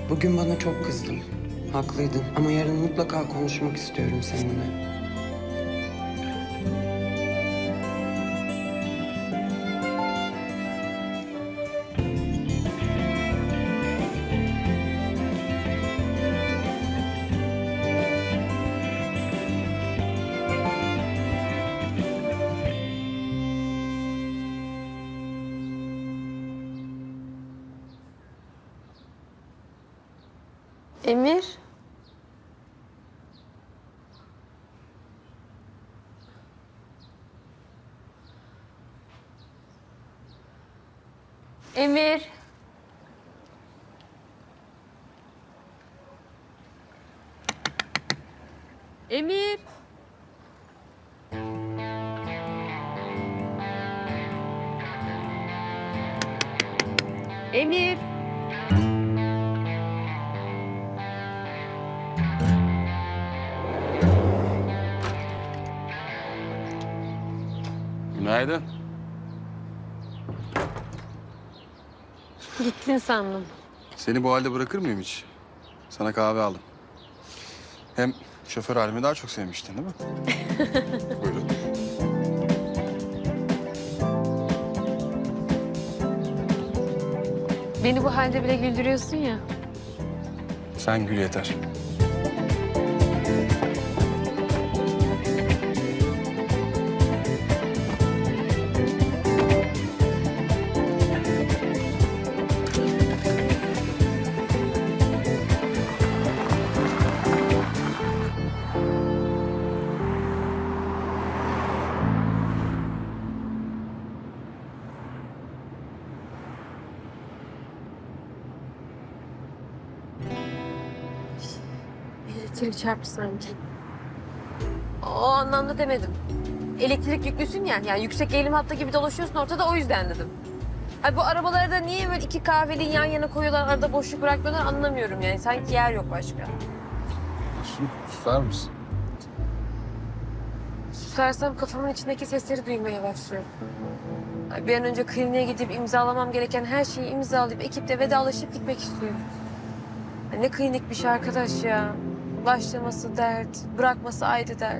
Bugün bana çok kızdın. Haklıydın ama yarın mutlaka konuşmak istiyorum seninle. Emir. Emir. Emir. Emir. Günaydın. Gittin sandım. Seni bu halde bırakır mıyım hiç? Sana kahve aldım. Hem şoför halimi daha çok sevmiştin değil mi? Buyurun. Beni bu halde bile güldürüyorsun ya. Sen gül yeter. Elektrik çarptı sanki. O anlamda demedim. Elektrik yüklüsün ya. Yani yüksek eğilim hattı gibi dolaşıyorsun ortada, o yüzden dedim. Ay bu arabaları da niye böyle iki kahveli yan yana koyuyorlar, arada boşluk bırakmıyorlar anlamıyorum yani. Sanki yer yok başka. Susar mısın? Susarsam kafamın içindeki sesleri duymaya başlıyorum. Ay bir an önce kliniğe gidip imzalamam gereken her şeyi imzalayıp ekiple vedalaşıp gitmek istiyorum. Ay ne klinikmiş arkadaş ya. Başlaması dert, bırakması ayrı dert.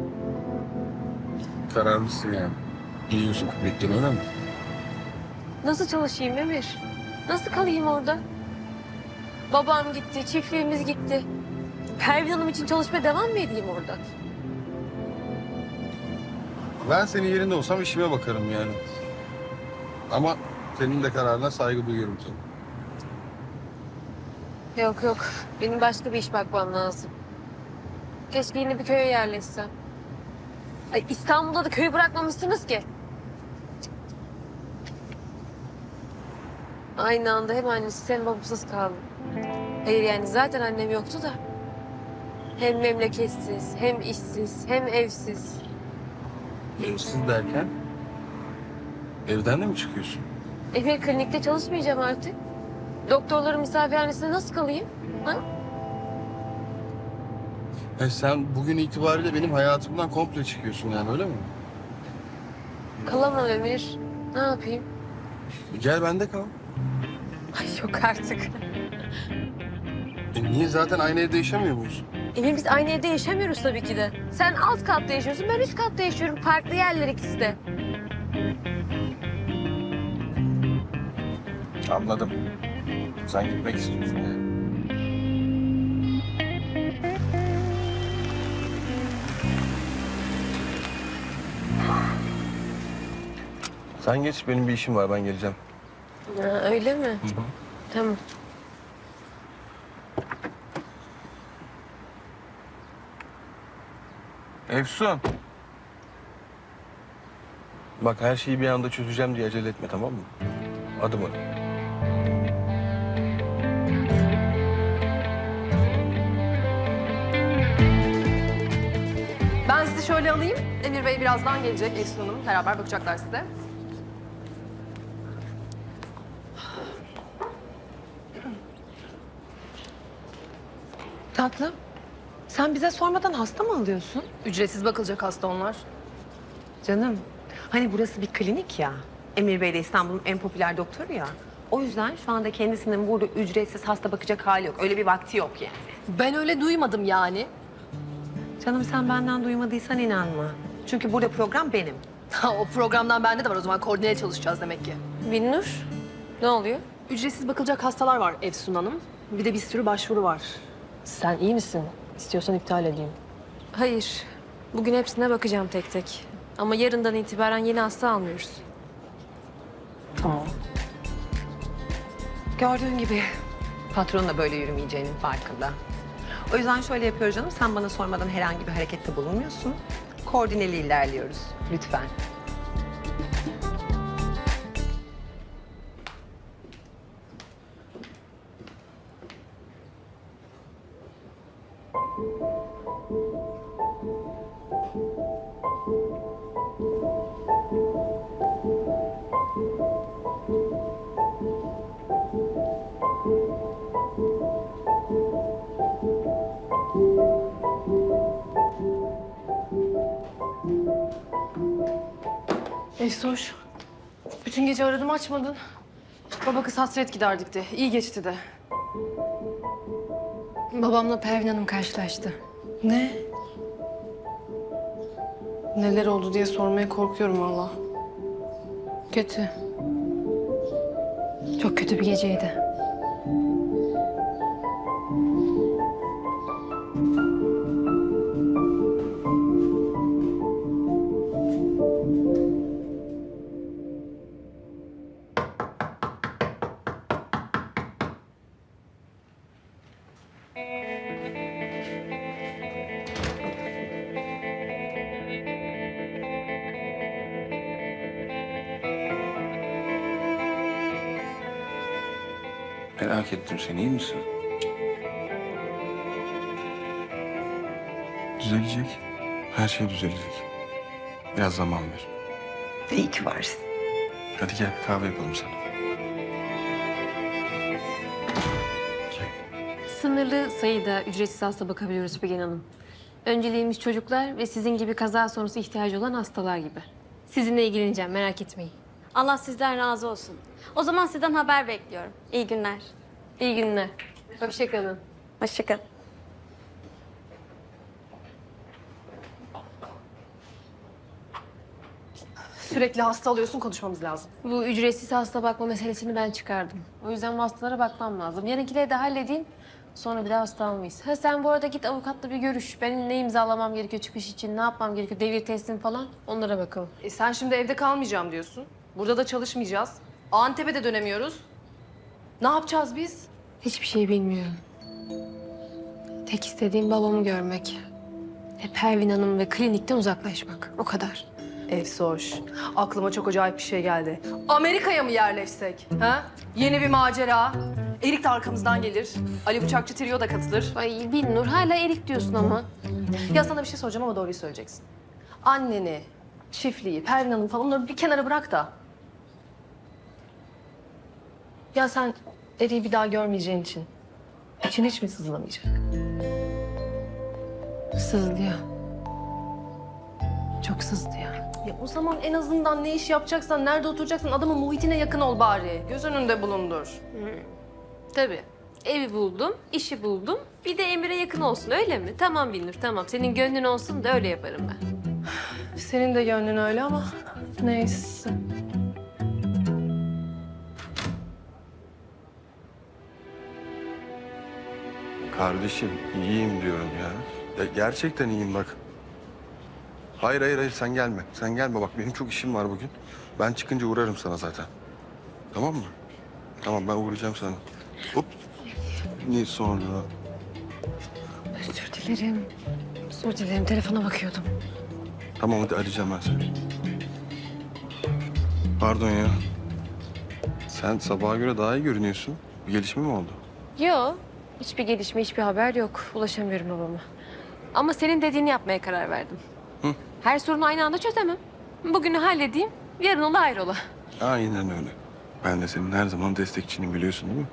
Kararlısın yani. Gidiyorsun bekliyorsun öyle mi? Nasıl çalışayım Emir? Nasıl kalayım orada? Babam gitti, çiftliğimiz gitti. Pervin Hanım için çalışmaya devam mı edeyim orada? Ben senin yerinde olsam işime bakarım yani. Ama senin de kararına saygı duyuyorum tabii. Yok yok, benim başka bir iş bakmam lazım. Keşke yine bir köye yerleşsem. Ay İstanbul'da da köyü bırakmamışsınız ki. Aynı anda hem annesi hem babasız kaldım. Hayır yani zaten annem yoktu da. Hem memleketsiz, hem işsiz, hem evsiz. Evsiz derken? Evden de mi çıkıyorsun? Emir klinikte çalışmayacağım artık. Doktorların misafirhanesinde nasıl kalayım? Ha? Sen bugün itibariyle benim hayatımdan komple çıkıyorsun yani öyle mi? Kalamam Emir. Ne yapayım? Gel bende kal. Ay yok artık. Niye zaten aynı evde yaşamıyor muyuz? Emir biz aynı evde yaşamıyoruz tabii ki de. Sen alt katta yaşıyorsun, ben üst katta yaşıyorum. Farklı yerler ikisi de. Anladım. Sen gitmek istiyorsun yani. Sen geç, benim bir işim var, ben geleceğim. Ha, öyle mi? Tamam. Efsun. Bak her şeyi bir anda çözeceğim diye acele etme, tamam mı? Adım adım. Ben sizi şöyle alayım. Emir Bey birazdan gelecek. Efsun Hanım beraber bakacaklar size. Tatlım, sen bize sormadan hasta mı alıyorsun? Ücretsiz bakılacak hasta onlar. Canım, hani burası bir klinik ya. Emir Bey de İstanbul'un en popüler doktoru ya. O yüzden şu anda kendisinin burada ücretsiz hasta bakacak hali yok. Öyle bir vakti yok yani. Ben öyle duymadım yani. Canım sen benden duymadıysan inanma. Çünkü burada program benim. Ha, o programdan bende de var o zaman koordineye çalışacağız demek ki. Binnur, ne oluyor? Ücretsiz bakılacak hastalar var Efsun Hanım. Bir de bir sürü başvuru var. Sen iyi misin? İstiyorsan iptal edeyim. Hayır, bugün hepsine bakacağım tek tek. Ama yarından itibaren yeni hasta almıyoruz. Tamam. Gördüğün gibi patron da böyle yürümeyeceğinin farkında. O yüzden şöyle yapıyoruz canım. Sen bana sormadan herhangi bir harekette bulunmuyorsun. Koordineli ilerliyoruz. Lütfen. Efsoş, bütün gece aradım açmadın. Baba kız hasret giderdik de. İyi geçti de. Babamla Pervin Hanım karşılaştı. Ne? Neler oldu diye sormaya korkuyorum valla. Kötü. Çok kötü bir geceydi. Merak ettim, sen iyi misin? Düzelecek. Her şey düzelecek. Biraz zaman ver. İyi ki varsın. Hadi gel, kahve yapalım sana. Sınırlı sayıda ücretsiz hasta bakabiliyoruz Figen Hanım. Önceliğimiz çocuklar ve sizin gibi kaza sonrası ihtiyacı olan hastalar gibi. Sizinle ilgileneceğim, merak etmeyin. Allah sizden razı olsun. O zaman sizden haber bekliyorum. İyi günler. İyi günler. Hoşçakalın. Hoşça kalın. Sürekli hasta alıyorsun, konuşmamız lazım. Bu ücretsiz hasta bakma meselesini ben çıkardım. O yüzden bu hastalara bakmam lazım. Yarınkileri de halledeyim. Sonra bir daha hasta almayız. Ha sen bu arada git avukatla bir görüş. Benim ne imzalamam gerekiyor çıkış için, ne yapmam gerekiyor, devir teslim falan. Onlara bakalım. Sen şimdi evde kalmayacağım diyorsun. Burada da çalışmayacağız. Antep'e de dönemiyoruz. Ne yapacağız biz? Hiçbir şey bilmiyorum. Tek istediğim babamı görmek. Pervin Hanım ve klinikten uzaklaşmak. O kadar. Efsoş, aklıma çok acayip bir şey geldi. Amerika'ya mı yerleşsek? Ha? Yeni bir macera. Erik de arkamızdan gelir. Ali Bıçakçı Trio da katılır. Ay Binnur hala erik diyorsun ama. Ya sana bir şey soracağım ama doğruyu söyleyeceksin. Anneni, çiftliği, Pervin Hanım falan onları bir kenara bırak da. Ya sen Erik'i bir daha görmeyeceğin için için hiç mi sızlamayacak? Sızlıyor. Çok sızlıyor. Ya o zaman en azından ne iş yapacaksan, nerede oturacaksın adamın muhitine yakın ol bari. Göz önünde bulundur. Tabii. Evi buldum, işi buldum. Bir de Emir'e yakın olsun öyle mi? Tamam Binnur tamam. Senin gönlün olsun da öyle yaparım ben. Senin de gönlün öyle ama neyse. Kardeşim, iyiyim diyorum ya. Ya gerçekten iyiyim bak. Hayır, sen gelme. Sen gelme bak, benim çok işim var bugün. Ben çıkınca uğrarım sana zaten. Tamam mı? Tamam, ben uğrayacağım sana. Hop. Ne sonra? Özür dilerim. Özür dilerim. Telefona bakıyordum. Tamam, hadi arayacağım ben seni. Pardon ya. Sen sabaha göre daha iyi görünüyorsun. Bir gelişme mi oldu? Yok. Hiçbir gelişme, hiçbir haber yok. Ulaşamıyorum babama. Ama senin dediğini yapmaya karar verdim. Hı? Her sorunu aynı anda çözemem. Bugünü halledeyim, yarın ola hayrola. Aynen öyle. Ben de senin her zaman destekçinim, biliyorsun değil mi?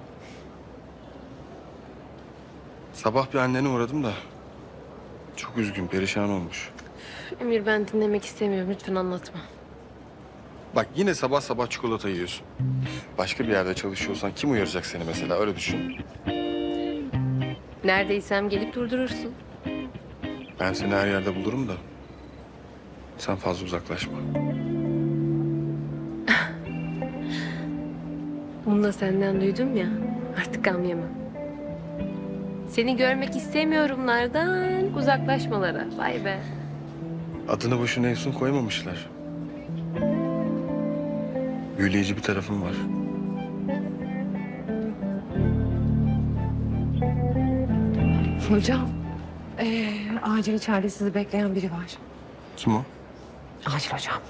Sabah bir annene uğradım da çok üzgün, perişan olmuş. Emir ben dinlemek istemiyorum. Lütfen anlatma. Bak yine sabah sabah çikolata yiyorsun. başka bir yerde çalışıyorsan kim uyaracak seni mesela, öyle düşün. Neredeysem gelip durdurursun. Ben seni her yerde bulurum da sen fazla uzaklaşma. Bunu da senden duydum ya. Artık gam yemem. Seni görmek istemiyorumlardan uzaklaşmalara. Vay be. Adını boşuna Efsun koymamışlar. Büyüleyici bir tarafım var. Hocam, acil içeride sizi bekleyen biri var. Kim o? Acil hocam.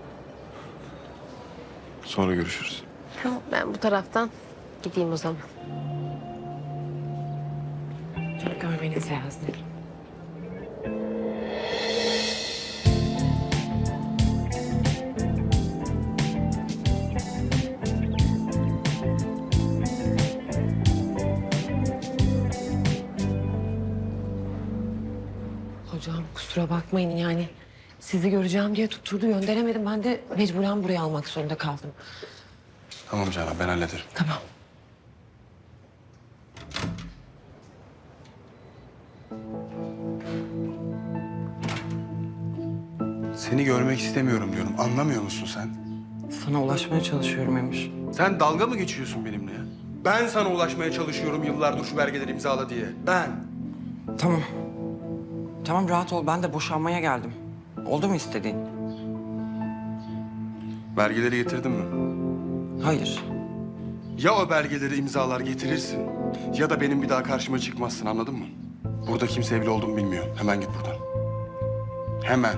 Sonra görüşürüz. Tamam, ben bu taraftan gideyim o zaman. Çok görmeniz lazım. Hocam kusura bakmayın yani sizi göreceğim diye tutturdu gönderemedim. Ben de mecburen buraya almak zorunda kaldım. Tamam Canan, ben hallederim. Tamam. Seni görmek istemiyorum diyorum. Anlamıyor musun sen? Sana ulaşmaya çalışıyorum Emir. Sen dalga mı geçiyorsun benimle ya? Ben sana ulaşmaya çalışıyorum yıllardır şu belgeleri imzala diye. Ben. Tamam. Tamam rahat ol. Ben de boşanmaya geldim. Oldu mu istediğin? Belgeleri getirdin mi? Hayır. Ya o belgeleri imzalar getirirsin ya da benim bir daha karşıma çıkmazsın, anladın mı? Burada kimse evli olduğumu bilmiyor. Hemen git buradan. Hemen.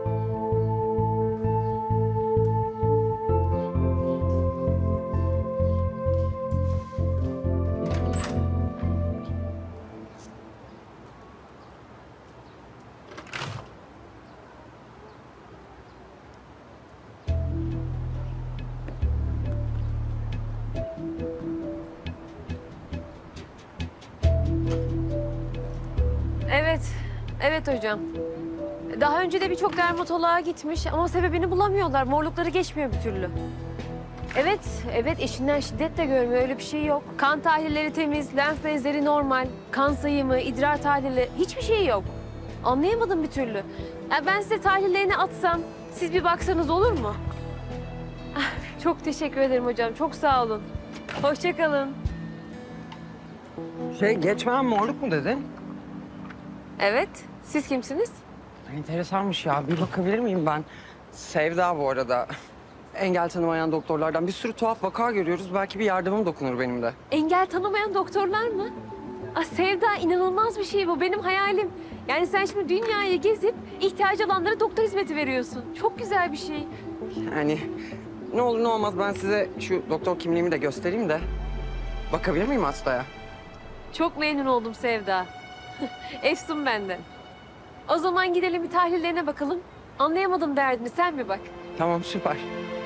Evet, evet hocam. Daha önce de birçok dermatoloğa gitmiş ama sebebini bulamıyorlar. Morlukları geçmiyor bir türlü. Evet, evet eşinden şiddet de görmüyor. Öyle bir şey yok. Kan tahlilleri temiz, lenf bezleri normal. Kan sayımı, idrar tahlili hiçbir şey yok. Anlayamadım bir türlü. Ya ben size tahlillerini atsam, siz bir baksanız olur mu? Ah, çok teşekkür ederim hocam. Çok sağ olun. Hoşça kalın. Geçmeyen morluk mu dedin? Evet, siz kimsiniz? Enteresanmış ya. Bir bakabilir miyim ben? Sevda bu arada. Engel tanımayan doktorlardan bir sürü tuhaf vaka görüyoruz. Belki bir yardımım dokunur benim de. Engel tanımayan doktorlar mı? Ah Sevda, inanılmaz bir şey bu. Benim hayalim. Yani sen şimdi dünyayı gezip ihtiyacı olanlara doktor hizmeti veriyorsun. Çok güzel bir şey. Yani ne olur ne olmaz ben size şu doktor kimliğimi de göstereyim de. Bakabilir miyim hastaya? Çok memnun oldum Sevda. Efsun benden. O zaman gidelim bir tahlillerine bakalım. Anlayamadım derdini, sen bir bak. Tamam süper.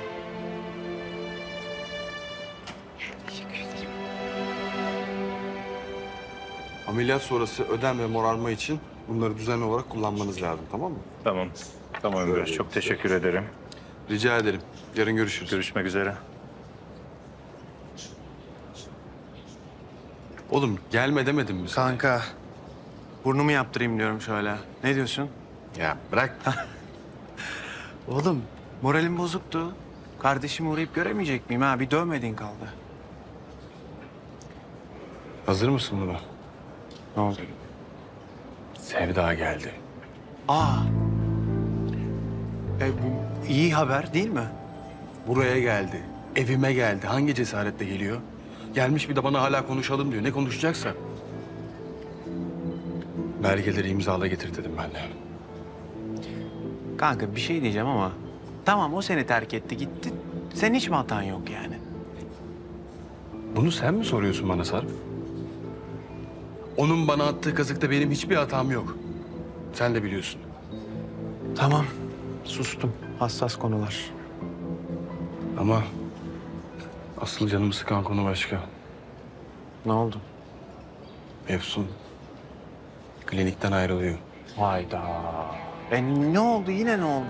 Ameliyat sonrası ödem ve morarma için bunları düzenli olarak kullanmanız lazım, tamam mı? Tamam. Tamam Ömer. Çok teşekkür ederim. Rica ederim. Yarın görüşürüz. Görüşmek üzere. Oğlum gelme demedim mi sana? Kanka, burnumu yaptırayım diyorum şöyle. Ne diyorsun? Ya bırak. Oğlum, moralim bozuktu. Kardeşimi uğrayıp göremeyecek miyim ha? Bir dövmediğin kaldı. Hazır mısın buna? Ne oldu? Sevda geldi. Aa. Bu iyi haber değil mi? Buraya geldi. Evime geldi. Hangi cesaretle geliyor? Gelmiş bir de bana hala konuşalım diyor. Ne konuşacaksa. Belgeleri imzala getir dedim ben de. Kanka bir şey diyeceğim ama... Tamam o seni terk etti gitti. Senin hiç mi hatan yok yani? Bunu sen mi soruyorsun bana Sarp? Onun bana attığı kazıkta benim hiçbir hatam yok. Sen de biliyorsun. Tamam. Sustum. Hassas konular. Ama asıl canımı sıkan konu başka. Ne oldu? Efsun klinikten ayrılıyor. Hayda. Ne oldu? Yine ne oldu?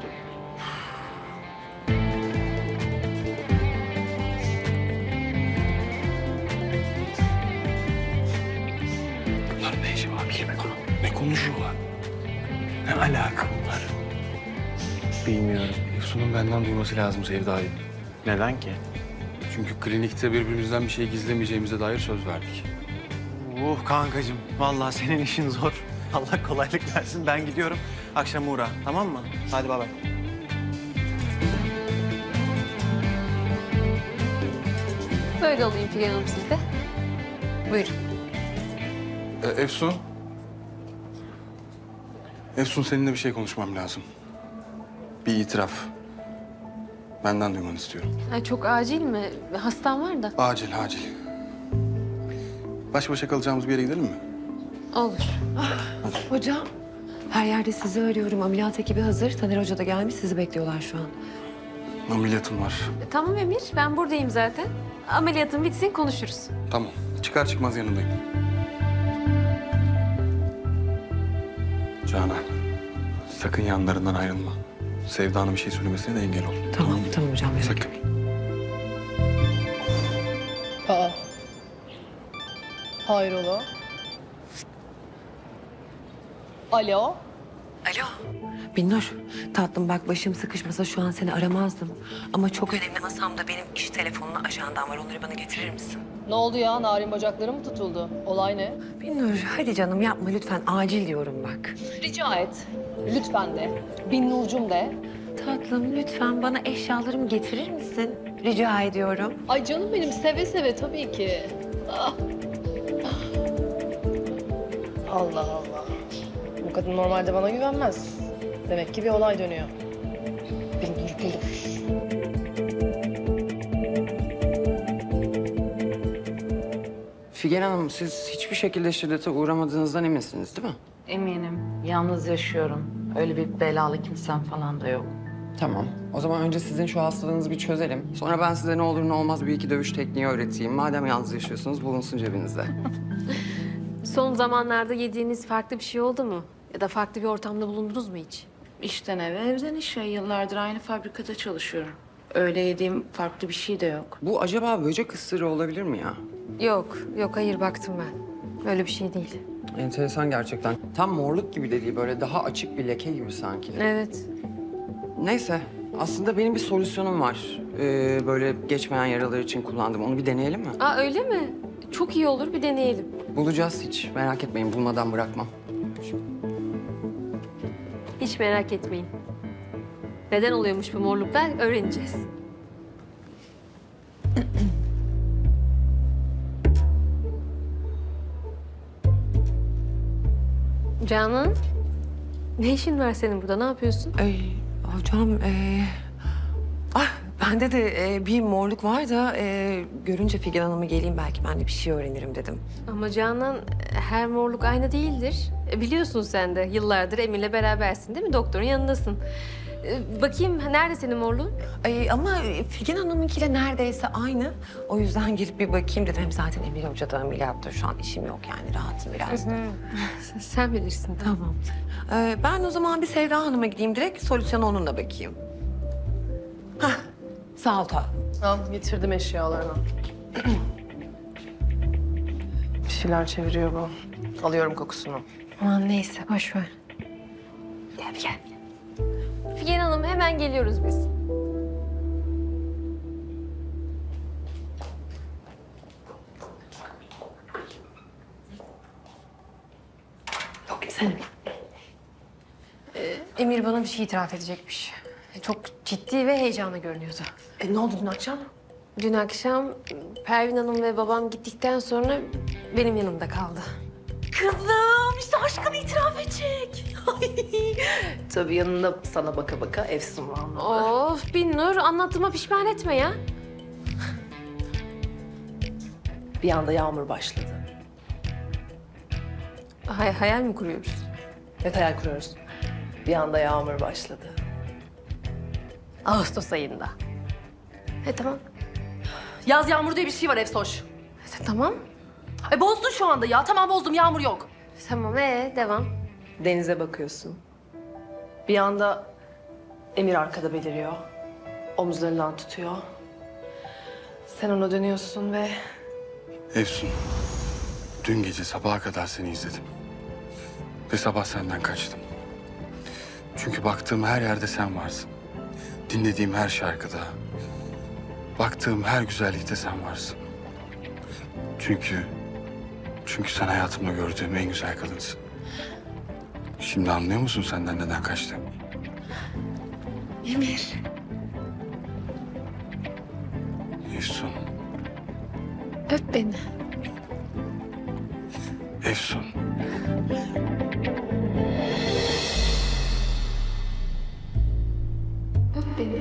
konuşuyorlar. Ne alaka bunlar? Bilmiyorum. Efsun'un benden duyması lazım Sevda'yı. Neden ki? Çünkü klinikte birbirimizden bir şey gizlemeyeceğimize dair söz verdik. Kankacığım. Vallahi senin işin zor. Allah kolaylık versin. Ben gidiyorum. Akşam uğra. Tamam mı? Hadi bay bay. Böyle olayım Figen Hanım sizde. Buyurun. Efsun. Efsun seninle bir şey konuşmam lazım. Bir itiraf. Benden duymanı istiyorum. Ay, çok acil mi? Hastam var da. Acil, acil. Baş başa kalacağımız bir yere gidelim mi? Olur. Hocam, her yerde sizi arıyorum. Ameliyat ekibi hazır. Taner Hoca da gelmiş. Sizi bekliyorlar şu an. Ameliyatım var. Tamam Emir, ben buradayım zaten. Ameliyatın bitsin, konuşuruz. Tamam. Çıkar çıkmaz yanındayım. Canan, sakın yanlarından ayrılma. Sevda'nın bir şey söylemesine de engel ol. Tamam, tamam hocam. merak Sakın. Aa. Hayrola? Alo? Alo. Binnur, tatlım bak başım sıkışmasa şu an seni aramazdım. Ama çok önemli masamda benim iş telefonuna ajandam var. Onları bana getirir misin? Ne oldu ya? Narin bacakları mı tutuldu? Olay ne? Binnur, hadi canım yapma lütfen. Acil diyorum bak. Rica et. Lütfen de. Binnurcum de. Tatlım lütfen bana eşyalarımı getirir misin? Rica ediyorum. Ay canım benim seve seve tabii ki. Ah. Allah Allah. Bu kadın normalde bana güvenmez. Demek ki bir olay dönüyor. Binnur bulur. Figen Hanım, siz hiçbir şekilde şiddete uğramadığınızdan eminsiniz değil mi? Eminim. Yalnız yaşıyorum. Öyle bir belalı kimsem falan da yok. Tamam. O zaman önce sizin şu hastalığınızı bir çözelim. Sonra ben size ne olur ne olmaz bir iki dövüş tekniği öğreteyim. Madem yalnız yaşıyorsunuz bulunsun cebinizde. Son zamanlarda yediğiniz farklı bir şey oldu mu? Ya da farklı bir ortamda bulundunuz mu hiç? İşten eve, evden işe. Yıllardır aynı fabrikada çalışıyorum. Öyle yediğim farklı bir şey de yok. Bu acaba böcek ısırığı olabilir mi ya? Yok, hayır baktım ben. Öyle bir şey değil. Enteresan gerçekten. Tam morluk gibi de değil, böyle daha açık bir leke gibi sanki. Evet. Neyse, aslında benim bir solüsyonum var. Böyle geçmeyen yaralar için kullandım. Onu bir deneyelim mi? Aa öyle mi? Çok iyi olur, bir deneyelim. Bulacağız hiç. Merak etmeyin, bulmadan bırakmam. Hiç merak etmeyin. Neden oluyormuş bu morluklar öğreneceğiz. Canan, ne işin var senin burada? Ne yapıyorsun? Hocam, bende de bir morluk var da görünce Figen Hanım'ı geleyim belki ben de bir şey öğrenirim dedim. Ama Canan, her morluk aynı değildir. Biliyorsun sen de yıllardır Emir'le berabersin değil mi? Doktorun yanındasın. Bakayım nerede senin morluğun? Ama Figen Hanım'ınkiyle neredeyse aynı. O yüzden gelip bir bakayım dedim. Hem zaten Emir Hoca da ameliyatta şu an işim yok yani rahatım biraz da. Sen bilirsin. Tamam. Ben o zaman bir Sevda Hanım'a gideyim direkt solüsyona onunla bakayım. Hah, sağ ol tatlım. Al getirdim eşyalarını. Bir şeyler çeviriyor bu. Alıyorum kokusunu. Aman neyse boş ver. Gel. Figen Hanım hemen geliyoruz biz. Yok sen. Emir bana bir şey itiraf edecekmiş. Çok ciddi ve heyecanlı görünüyordu. Ne oldu dün akşam? Dün akşam Pervin Hanım ve babam gittikten sonra benim yanımda kaldı. Kızım işte aşkını itiraf edecek. Tabii yanında sana baka baka Efsun var. Of Binnur, anlattığıma pişman etme ya. Bir anda yağmur başladı. Hayal mi kuruyoruz? Evet hayal kuruyoruz. Bir anda yağmur başladı. Ağustos ayında. Tamam. Yaz yağmuru diye bir şey var Efsoş. Tamam. Bozdun şu anda ya. Tamam bozdum yağmur yok. Tamam devam. Denize bakıyorsun. Bir anda Emir arkada beliriyor. Omuzlarından tutuyor. Sen ona dönüyorsun ve... Efsun, dün gece sabaha kadar seni izledim. Ve sabah senden kaçtım. Çünkü baktığım her yerde sen varsın. Dinlediğim her şarkıda, baktığım her güzellikte sen varsın. Çünkü sen hayatımda gördüğüm en güzel kadınsın. Şimdi anlıyor musun senden neden kaçtım? Emir. Efsun, Öp beni. Efsun. Öp beni.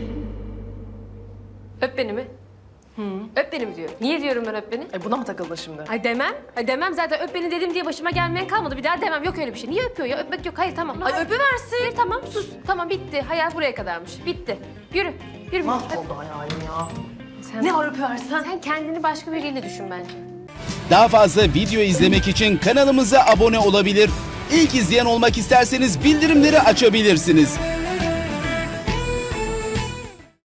Öp beni mi? Öp beni mi diyor? Niye diyorum ben öp beni? Buna mı takıldın şimdi? Ay demem. Ay demem zaten öp beni dedim diye başıma gelmeyen kalmadı. Bir daha demem. Yok öyle bir şey. Niye öpüyor ya? Öpmek yok. Hayır tamam. Ay öpüversin. Hayır tamam sus. Tamam bitti. Hayal buraya kadarmış. Bitti. Yürü. Yürü. Mahvoldu hayalim ya. Sen, Ne var öpüversen? sen kendini başka biriyle düşün bence. Daha fazla video izlemek için kanalımıza abone olabilir. İlk izleyen olmak isterseniz bildirimleri açabilirsiniz.